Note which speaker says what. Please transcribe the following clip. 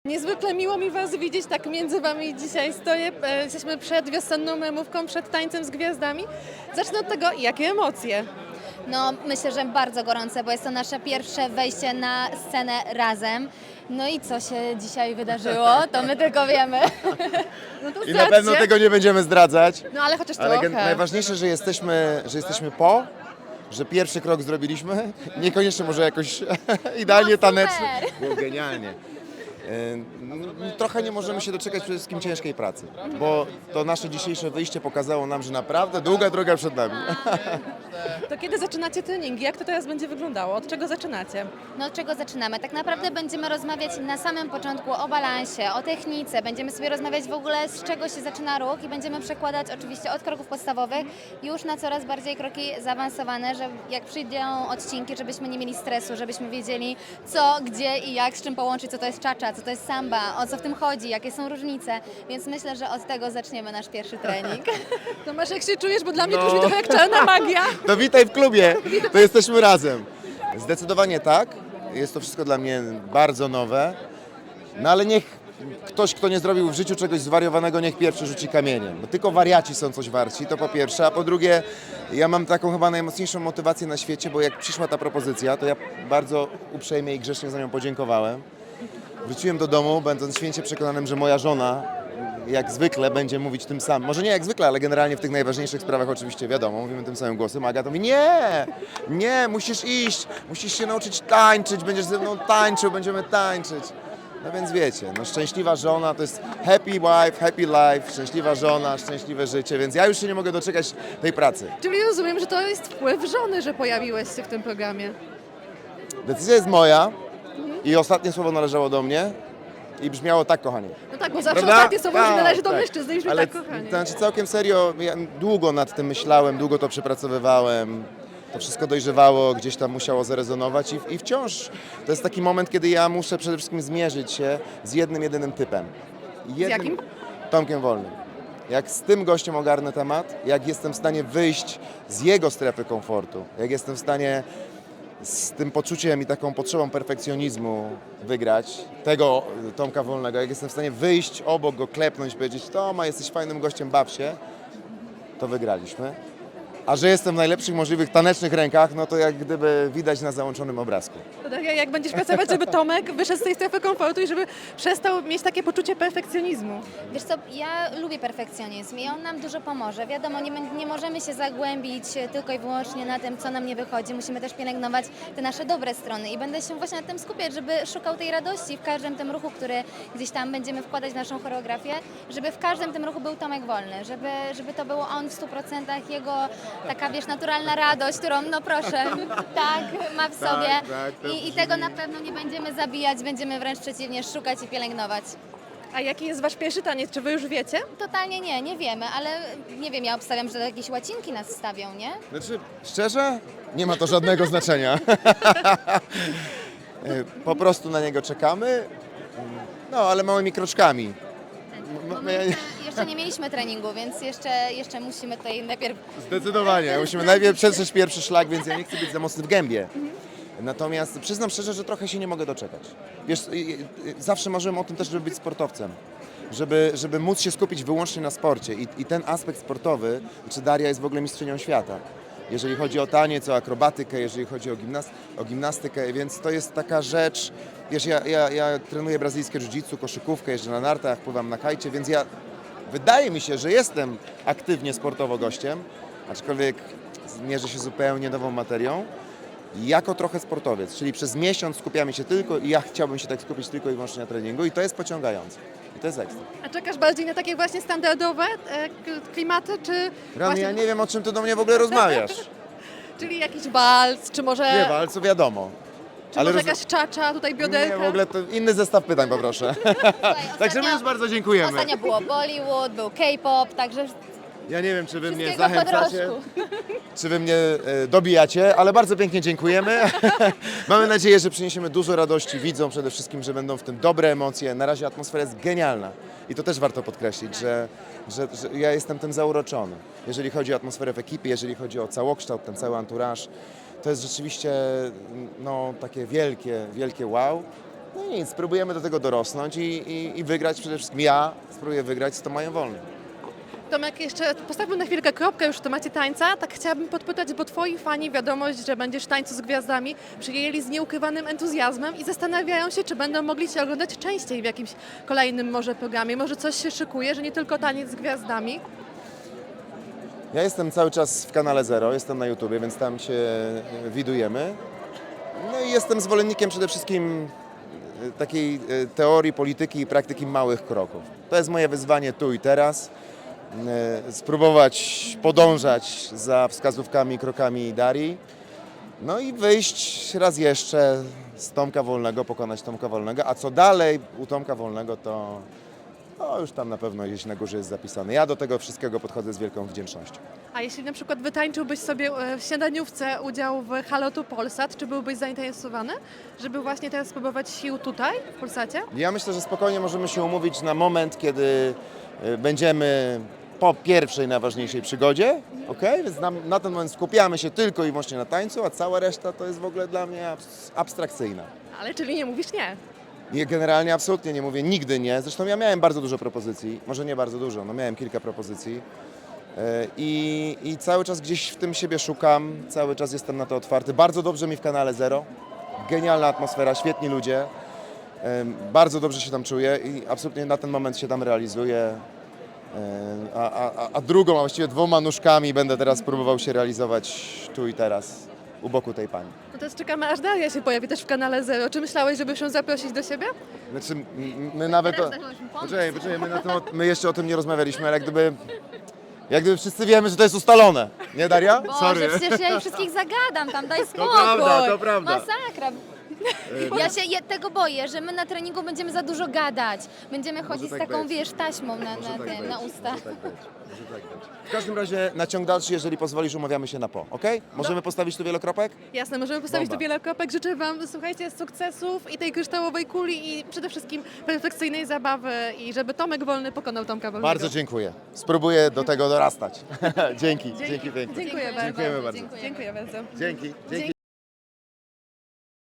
Speaker 1: Niezwykle miło mi Was widzieć, tak między Wami dzisiaj stoję. Jesteśmy przed wiosenną memówką, przed tańcem z gwiazdami. Zacznę od tego, jakie emocje.
Speaker 2: No, myślę, że bardzo gorące, bo jest to nasze pierwsze wejście na scenę razem. No i co się dzisiaj wydarzyło, to my tylko wiemy.
Speaker 1: No to
Speaker 3: I na
Speaker 1: zdradźcie.
Speaker 3: pewno tego nie będziemy zdradzać.
Speaker 1: No ale chociaż
Speaker 3: Ale
Speaker 1: trochę.
Speaker 3: najważniejsze, że jesteśmy po, że pierwszy krok zrobiliśmy. Niekoniecznie może jakoś idealnie
Speaker 2: No, super.
Speaker 3: tanecznie. Było genialnie. Trochę nie możemy się doczekać przede wszystkim ciężkiej pracy, bo to nasze dzisiejsze wyjście pokazało nam, że naprawdę długa droga przed nami.
Speaker 1: To kiedy zaczynacie treningi? Jak to teraz będzie wyglądało? Od czego zaczynacie?
Speaker 2: No od czego zaczynamy? Tak naprawdę będziemy rozmawiać na samym początku o balansie, o technice. Będziemy sobie rozmawiać w ogóle z czego się zaczyna ruch i będziemy przekładać oczywiście od kroków podstawowych już na coraz bardziej kroki zaawansowane, że jak przyjdą odcinki, żebyśmy nie mieli stresu, żebyśmy wiedzieli co, gdzie i jak, z czym połączyć, co to jest cha-cha, co to jest samba, o co w tym chodzi, jakie są różnice. Więc myślę, że od tego zaczniemy nasz pierwszy trening.
Speaker 1: No masz, jak się czujesz, bo dla mnie to
Speaker 3: No.
Speaker 1: brzmi trochę jak czarna magia.
Speaker 3: To witaj w klubie, to jesteśmy razem. Zdecydowanie tak, jest to wszystko dla mnie bardzo nowe, no ale niech ktoś, kto nie zrobił w życiu czegoś zwariowanego, niech pierwszy rzuci kamieniem. Bo tylko wariaci są coś warci, to po pierwsze, a po drugie, ja mam taką chyba najmocniejszą motywację na świecie, bo jak przyszła ta propozycja, to ja bardzo uprzejmie i grzecznie za nią podziękowałem. Wróciłem do domu, będąc święcie przekonanym, że moja żona jak zwykle będzie mówić tym samym. Może nie jak zwykle, ale generalnie w tych najważniejszych sprawach oczywiście wiadomo, mówimy tym samym głosem. A Agata mówi, nie, musisz iść, musisz się nauczyć tańczyć, będziesz ze mną tańczył, będziemy tańczyć. No więc wiecie, no szczęśliwa żona to jest happy wife, happy life, szczęśliwa żona, szczęśliwe życie, więc ja już się nie mogę doczekać tej pracy.
Speaker 1: Czyli rozumiem, że to jest wpływ żony, że pojawiłeś się w tym programie.
Speaker 3: Decyzja jest moja i ostatnie słowo należało do mnie i brzmiało tak, kochani.
Speaker 1: No tak, bo zawsze
Speaker 3: Prawda?
Speaker 1: ostatnie słowo już
Speaker 3: Tak,
Speaker 1: należy do
Speaker 3: tak.
Speaker 1: mężczyzny, już mi
Speaker 3: Ale
Speaker 1: tak kochanie.
Speaker 3: to znaczy całkiem serio, ja długo nad tym myślałem, długo to przepracowywałem. To wszystko dojrzewało, gdzieś tam musiało zarezonować i wciąż to jest taki moment, kiedy ja muszę przede wszystkim zmierzyć się z jednym, jedynym typem.
Speaker 1: jakim?
Speaker 3: Tomkiem Wolnym. Jak z tym gościem ogarnę temat, jak jestem w stanie wyjść z jego strefy komfortu, jak jestem w stanie z tym poczuciem i taką potrzebą perfekcjonizmu wygrać tego Tomka Wolnego, jak jestem w stanie wyjść obok go, klepnąć, powiedzieć: Toma, jesteś fajnym gościem, baw się, to wygraliśmy. A że jestem w najlepszych możliwych tanecznych rękach, no to jak gdyby widać na załączonym obrazku.
Speaker 1: To tak jak będziesz pracować, żeby Tomek wyszedł z tej strefy komfortu i żeby przestał mieć takie poczucie perfekcjonizmu.
Speaker 2: Wiesz co, ja lubię perfekcjonizm i on nam dużo pomoże. Wiadomo, nie możemy się zagłębić tylko i wyłącznie na tym, co nam nie wychodzi. Musimy też pielęgnować te nasze dobre strony i będę się właśnie na tym skupiać, żeby szukał tej radości w każdym tym ruchu, który gdzieś tam będziemy wkładać w naszą choreografię, żeby w każdym tym ruchu był Tomek Wolny, żeby to było on w 100%, jego taka, wiesz, naturalna radość, którą, no proszę, tak, ma w sobie.
Speaker 3: tak, to
Speaker 2: I tego na pewno nie będziemy zabijać, będziemy wręcz przeciwnie szukać i pielęgnować.
Speaker 1: A jaki jest Wasz pierwszy taniec? Czy Wy już wiecie?
Speaker 2: Totalnie nie wiemy, ale nie wiem, ja obstawiam, że jakieś łacinki nas stawią, nie?
Speaker 3: Znaczy, szczerze, nie ma to żadnego znaczenia. Po prostu na niego czekamy, no ale małymi kroczkami.
Speaker 2: Bo my jeszcze nie mieliśmy treningu, więc jeszcze musimy tutaj najpierw...
Speaker 3: Zdecydowanie. Musimy najpierw przetrzeć pierwszy szlak, więc ja nie chcę być za mocny w gębie. Natomiast przyznam szczerze, że trochę się nie mogę doczekać. Wiesz, zawsze marzyłem o tym też, żeby być sportowcem. Żeby móc się skupić wyłącznie na sporcie. I ten aspekt sportowy, czy Daria jest w ogóle mistrzynią świata. Jeżeli chodzi o taniec, o akrobatykę, jeżeli chodzi o gimnastykę, więc to jest taka rzecz, wiesz, ja trenuję brazylijskie jiu-jitsu, koszykówkę, jeżdżę na nartach, pływam na kajcie, więc wydaje mi się, że jestem aktywnie sportowo gościem, aczkolwiek mierzę się zupełnie nową materią. Jako trochę sportowiec, czyli przez miesiąc skupiamy się tylko i ja chciałbym się tak skupić tylko i wyłącznie na treningu i to jest pociągające. I to jest ekstra.
Speaker 1: A czekasz bardziej na takie właśnie standardowe klimaty, czy
Speaker 3: Rany,
Speaker 1: właśnie,
Speaker 3: ja nie wiem, o czym ty do mnie w ogóle rozmawiasz.
Speaker 1: czyli jakiś walc, czy może,
Speaker 3: Nie, ale co wiadomo.
Speaker 1: czy może jakaś czacza, tutaj bioderka?
Speaker 3: Nie, w ogóle to inny zestaw pytań poproszę. Także my już bardzo dziękujemy.
Speaker 2: Ostatnio było Bollywood, był K-pop, także
Speaker 3: Ja nie wiem, czy wy mnie
Speaker 2: wszystkiego po
Speaker 3: zachęcacie,
Speaker 2: drożku.
Speaker 3: czy wy mnie dobijacie, ale bardzo pięknie dziękujemy. Mamy nadzieję, że przyniesiemy dużo radości widzom, przede wszystkim, że będą w tym dobre emocje. Na razie atmosfera jest genialna i to też warto podkreślić, że ja jestem tym zauroczony. Jeżeli chodzi o atmosferę w ekipie, jeżeli chodzi o całokształt, ten cały anturaż, to jest rzeczywiście no, takie wielkie wow. No i nic, spróbujemy do tego dorosnąć i wygrać przede wszystkim. Ja spróbuję wygrać z Tomajem Wolnym.
Speaker 1: Tomek, jeszcze postawmy na chwilkę kropkę już w temacie tańca. Tak chciałabym podpytać, bo twoi fani wiadomość, że będziesz w Tańcu z Gwiazdami, przyjęli z nieukrywanym entuzjazmem i zastanawiają się, czy będą mogli Cię oglądać częściej w jakimś kolejnym może programie. Może coś się szykuje, że nie tylko Taniec z Gwiazdami.
Speaker 3: Ja jestem cały czas w kanale Zero, jestem na YouTubie, więc tam się widujemy. No i jestem zwolennikiem przede wszystkim takiej teorii polityki i praktyki małych kroków. To jest moje wyzwanie tu i teraz. Spróbować podążać za wskazówkami, krokami Darii. No i wyjść raz jeszcze z Tomka Wolnego, pokonać Tomka Wolnego. A co dalej u Tomka Wolnego, to już tam na pewno gdzieś na górze jest zapisane. Ja do tego wszystkiego podchodzę z wielką wdzięcznością.
Speaker 1: A jeśli na przykład wytańczyłbyś sobie w śniadaniówce udział w Halo tu Polsat, czy byłbyś zainteresowany, żeby właśnie teraz spróbować sił tutaj, w Polsacie?
Speaker 3: Ja myślę, że spokojnie możemy się umówić na moment, kiedy będziemy po pierwszej, najważniejszej przygodzie, okej? Więc na ten moment skupiamy się tylko i wyłącznie na tańcu, a cała reszta to jest w ogóle dla mnie abstrakcyjna.
Speaker 1: Ale czyli nie mówisz nie.
Speaker 3: I generalnie absolutnie nie mówię nigdy nie. Zresztą ja miałem bardzo dużo propozycji, może nie bardzo dużo, no miałem kilka propozycji i cały czas gdzieś w tym siebie szukam, cały czas jestem na to otwarty. Bardzo dobrze mi w kanale Zero, genialna atmosfera, świetni ludzie, bardzo dobrze się tam czuję i absolutnie na ten moment się tam realizuję. A drugą, a właściwie dwoma nóżkami będę teraz próbował się realizować tu i teraz u boku tej pani.
Speaker 1: No teraz czekamy, aż Daria się pojawi też w kanale Zero. Czy myślałeś, żeby ją zaprosić do siebie?
Speaker 3: Znaczy, my nawet...
Speaker 2: Teraz zaczęłyśmy pomysł.
Speaker 3: Poczekaj, my jeszcze o tym nie rozmawialiśmy, ale jak gdyby wszyscy wiemy, że to jest ustalone. Nie, Daria?
Speaker 2: Boże, przecież ja ich wszystkich zagadam tam, daj spokój.
Speaker 3: to prawda.
Speaker 2: Masakra. Ja tego boję, że my na treningu będziemy za dużo gadać. Będziemy chodzić
Speaker 3: tak
Speaker 2: z taką,
Speaker 3: być.
Speaker 2: wiesz, taśmą na usta.
Speaker 3: Może tak być. W każdym razie na ciąg dalszy, jeżeli pozwolisz, umawiamy się na ok? Możemy postawić tu wielokropek?
Speaker 1: Jasne, możemy postawić
Speaker 3: Bomba.
Speaker 1: tu wiele kropek. Życzę Wam, słuchajcie, sukcesów i tej kryształowej kuli i przede wszystkim perfekcyjnej zabawy i żeby Tomek Wolny pokonał Tomka Wolnego.
Speaker 3: Bardzo dziękuję. Spróbuję do tego dorastać. Dzięki pięknie.
Speaker 1: Dziękuję bardzo.
Speaker 3: Dziękujemy bardzo.
Speaker 1: Dziękuję bardzo.
Speaker 3: Dzięki.